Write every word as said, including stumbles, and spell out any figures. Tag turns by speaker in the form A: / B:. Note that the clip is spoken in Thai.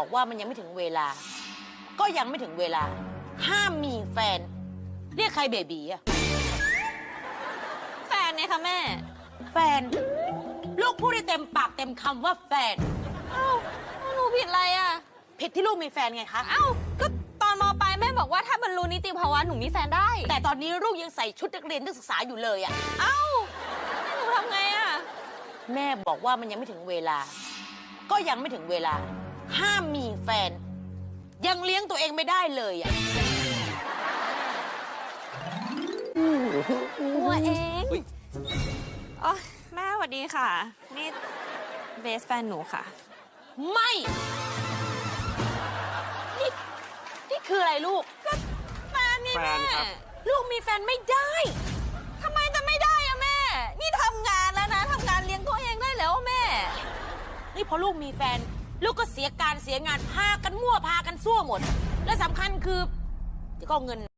A: บอกว่ามันยังไม่ถึงเวลา ก็ยังไม่ถึงเวลา ห้ามมีแฟน เรียกใครเบบีอะ
B: แฟนเนี่ยค่ะแม่
A: แฟน ลูกพูดได้เต็มปากเต็มคำว่าแฟน
B: เอ้าหนูผิดอะไรอ่ะ
A: ผิดที่ลูกมีแฟนไงคะ
B: เอ้าก็ตอนม.ปลายแม่บอกว่าถ้าบรรลุนิติภาวะหนูมีแฟนได้
A: แต่ตอนนี้ลูกยังใส่ชุดนักเรียนนักศึกษาอยู่เลยอะ
B: เอ้าหนูทำไงอ่ะ
A: แม่บอกว่ามันยังไม่ถึงเวลา ก็ยังไม่ถึงเวลา ห้ามมีแฟน ยังเลี้ยงตัวเองไม่ได้เลยอะ
B: ตัวเองอ๋อแม่สวัสดีค่ะนี่เบสแฟนหนูค่ะ
A: ไม่นี่นี่คืออะไรลูก
B: ก็แฟนไงแม่
A: ลูกมีแฟนไม่ได้
B: ทำไมจะไม่ได้อะแม่นี่ทำงานแล้วนะทำงานเลี้ยงตัวเองได้แล้วแม่
A: นี่พอลูกมีแฟนลูกก็เสียการเสียงานพากันมั่วพากันซั่วหมดและสำคัญคือก็เงิน